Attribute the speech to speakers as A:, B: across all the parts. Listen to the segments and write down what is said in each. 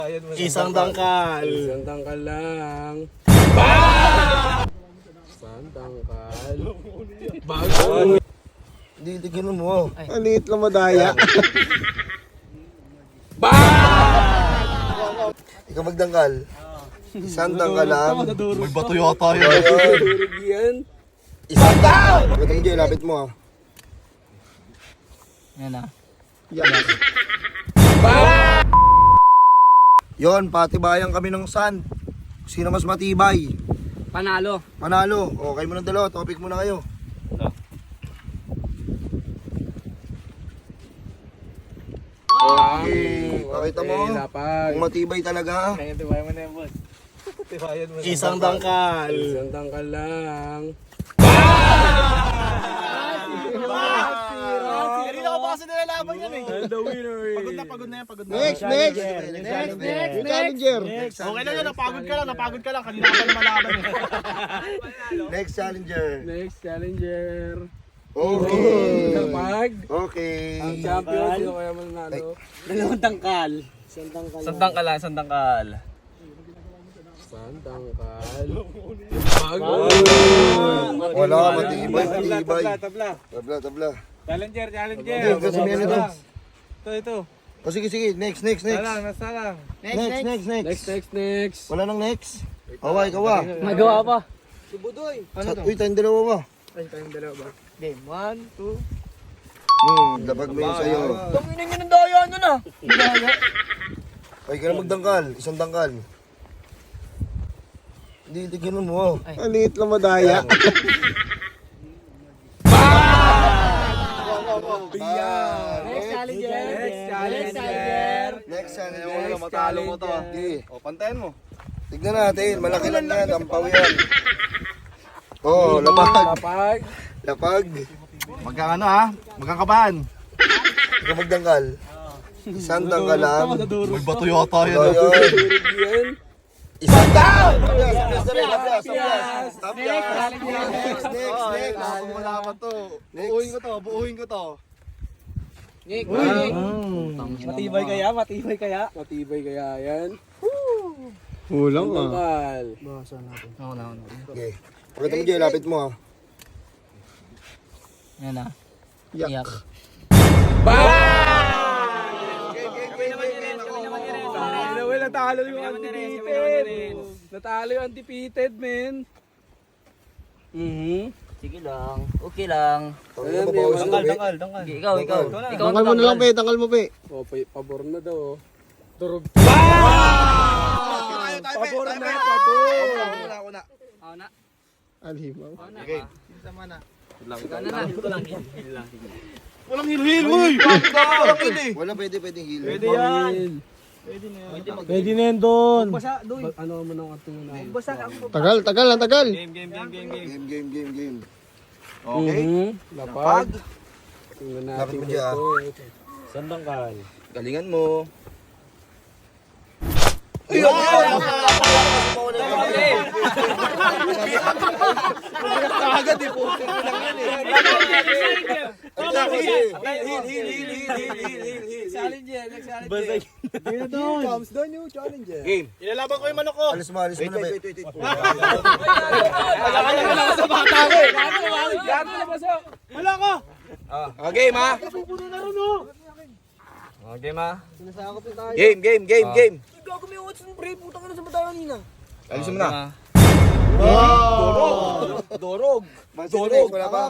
A: Isang dangkal.
B: Isang dangkal lang. Isang dangkal. Bago.
A: Hindi, tignan mo. Maliit lang madaya. Ikaw magdangkal. Isang dangkal lang.
C: May bato yata yun.
B: Durog yan.
A: Isang dangkal! Ito mo, Jay, lapit mo.
D: Yan ah.
A: Yon, patibayan kami ng sand. Sino mas matibay?
D: Panalo.
A: Panalo. Okay mo ng dalawa, topic mo na kayo. Okay. Pakita mo.
B: Lapag.
A: Kung matibay talaga.
D: Tibayan mo na yan, boss.
A: Isang dangkal.
B: Isang dangkal lang.
C: Kanina ko pa kasi nilalaban yan eh.
B: And the winner is...
C: Pagod na yan, pagod na.
A: Next. Yung challenger.
C: Okay lang yan, napagod ka lang. Kanina ka pa lumalaban eh.
A: Next challenger.
B: Next challenger.
A: Okay.
B: Lapag.
A: Okay.
B: Ang champion. Sino kaya mananalo?
D: Dalawang tangkal. Isang tangkal lang, isang tangkal.
B: Isang dangkal. Lapag.
A: Wala, matibay. Tabla.
B: Challenger.
A: Hindi, kasi may ano to.
B: Ito.
A: O sige, next.
B: Salang. Next.
A: Wala nang next. Awa, ikaw ah.
D: Magawa pa.
A: Uy, tayong dalawa ba?
B: Ay, tayong dalawa ba?
D: Game, 1, 2.
A: Lapag mo yun sa'yo.
D: Tanginin nyo ng daya nun ah.
A: Ay, ka na magdangkal. Isang dangkal. Hindi, tignan mo. Maliit lang madaya.
D: Next challenger.
A: Next challenger.
C: Matalo mo to.
A: Sige.
C: O, pantayan mo.
A: Tignan natin. Malaki lang yan. Ampaw yan. Oh, lapag. Lapag.
C: Magkakano ha? Magkakabahan.
A: Ikaw magdangkal. Isang dangkal lang.
C: May bato yata yun.
A: Ayun.
B: Durog yan.
A: Isang dangkal! Next.
C: Malaman to. Buuhin ko to.
D: Nick.
B: Matibay kaya yan?
A: Kulang
B: Dangkal.
D: Ako na.
A: Okay. Pakita mo, Jay, lapit mo ah.
D: Yan ah.
A: Yak.
B: Natalo yung undefeated. Natalo yung undefeated, men.
D: Sige lang. Okay lang.
A: Ayan, babawas mo, be.
D: Dangkal. Ikaw.
A: Tangkal mo na lang, pe. Tangkal mo, pe.
B: Oh, pabor na daw. Durog. Pabor na.
D: Ako na.
A: Alimaw.
C: Okay.
D: Ito lang.
C: Walang hil-hil, uy!
A: Wala, pwedeng heal.
B: Pwede yan. Pwede na yan doon. Ano mo nang ating na?
A: Tagal lang.
C: Game.
A: Okay.
B: Lapag. Tingnan
A: Lapit
B: natin
A: mo dyan.
B: ito. Sandangkal.
A: Galingan mo.
C: Agad eh, puso ko lang yan eh.
B: Challenger.
C: Comes the new challenger. Game. Ilalaban ko yung manok ko.
A: Alis mo na, pe.
C: Wala sa bata ko eh. Wala ko.
A: Game ha.
C: Game ha. Game.
D: Gago may watch ng pre. Putang ina sa mata kanina.
C: Alisin mo na.
A: Dorog. Wala ba?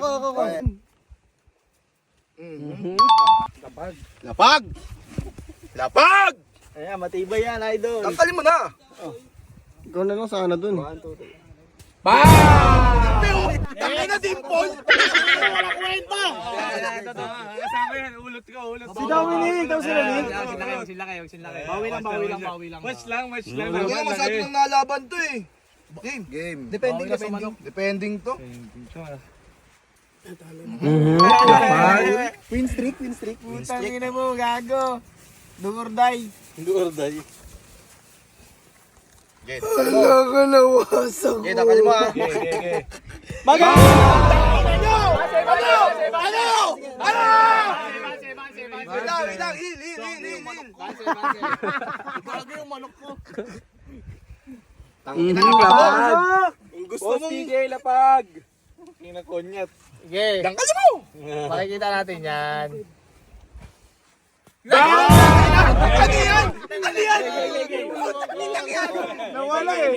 C: Lapag!
D: Ayan, matibay yan, idol.
A: Tangkalin mo na. Ikaw na lang sana dun.
C: Tangin na dimple! Wala kwenta!
B: Kasama yan. Ulot ko.
C: Si Dominic! Ikaw sila Nick!
D: Sila kayo.
C: Bawi lang.
B: Match lang.
A: Hindi masyado nang nalaban to eh. Game.
C: Depending to.
D: Win streak. Tangina mo, gago. Do or die.
A: Wala ka nawasak ko.
C: Tangkalin mo ha.
D: Maga!
C: Ano?
A: Wait lang, heal.
C: Bago yung manok ko.
A: Tangina na lapag.
C: Kung gusto mong... Sige, lapag. Kinakonyat.
D: Sige.
C: Dangkal mo!
D: Makikita natin yan.
C: Ano yan?
D: Nawala eh.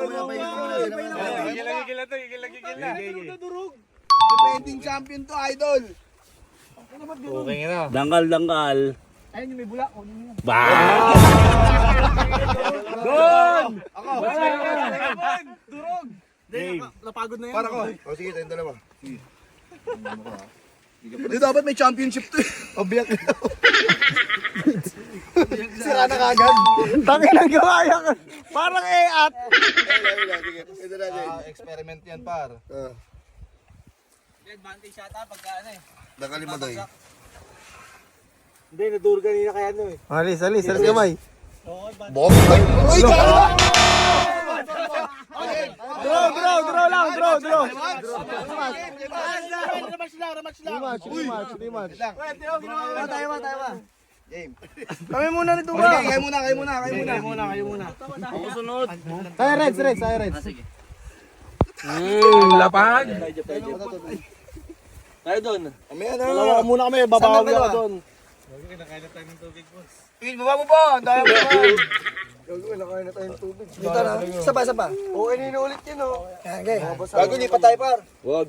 C: Gigil na.
A: Defending champion to, idol.
C: Okay na.
B: Dangkal.
D: Ayun yung may bula.
B: Ba!
C: Durog! Napagod na yan.
A: Para ko. O sige, tayong dalawa. Sige. Hindi dapat may championship to. Obiyak na. Sira na kagad.
D: Tangin ang gawaya ka. Parang e-at.
A: Sige, ito natin.
C: Experiment yan, par.
D: Advantage yata pagka ano eh.
A: Dangkalin mo, Doy.
C: Hindi, naduro kanina kaya ano eh.
D: Alis gamay.
A: Bok! Uy, kaya!
D: Draw lang. Rematch. Tayo ba?
A: Game.
D: Kami muna nito
A: Sige, kayo muna.
D: Ako sunod. Tayo Reds.
B: Lapag!
C: Tayo doon.
A: Mamaya na.
C: Dalawa muna kami, babawi ako doon.
A: Pin, baba mo pa. Ang daya mo pa. Nakain na tayo ng tubig. Dito na. Isa pa. Okay, ninuulit yun, oh. Okay. Bago lipat tayo, par.
B: Wag.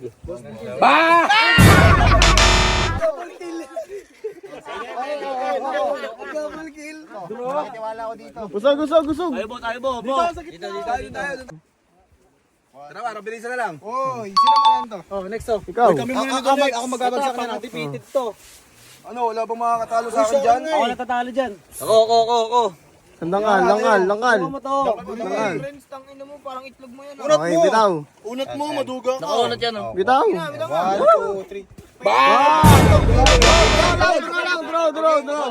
A: Double kill. Tiwala ko dito.
D: Gusog.
C: Tayo bo.
A: Dito. Tara, para bilisan na lang.
D: Oy, sino maganto?
C: Oh, next oh.
D: Ikaw.
A: Ako magbabagsak na.
C: Defeated to.
A: Ano, wala bang makakatalo sa akin dyan?
C: Ako natatalo dyan.
B: Ako.
D: Langal.
C: Ako mo to.
D: Langal.
A: Tangina mo, parang itlog mo yan.
D: Okay, bitaw.
C: Unat mo, maduga ka.
B: Nakaunat yan oh.
D: Bitaw.
A: 1, 2, 3.
D: Draw.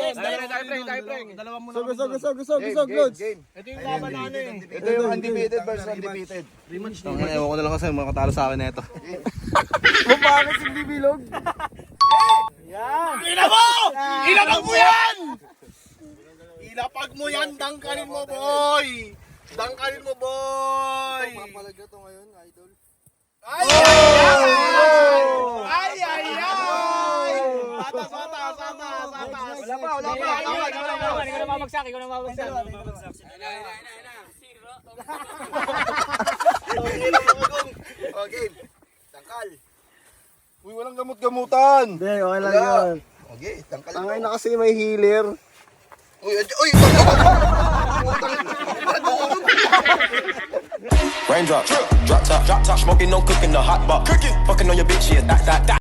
D: Gusog, Lods.
A: Game.
C: Ito yung laban na ano eh.
A: Ito yung undefeated versus undefeated.
C: Ewan ko na lang kasi makatalo sa akin na ito.
D: Bakit si Bibilog?
C: Ilapag mo yan! Ilapag mo yan, dangkalin mo, boy! Dangkalin mo, boy!
A: Papalaga to ngayon, idol.
C: Ay! Atas! Wala pa!
D: Ikaw na mabagsak.
A: Oh, game. Tangkal.
C: Uy, walang gamot-gamutan!
D: Hindi, okay lang yun.
A: Okay, tangkal.
D: Tangay na kasi may healer.
A: Uy,
E: Raindrop, drop top, smoking, no cooking, the hot pot. Cooking, fucking on your bitch, yeah, that.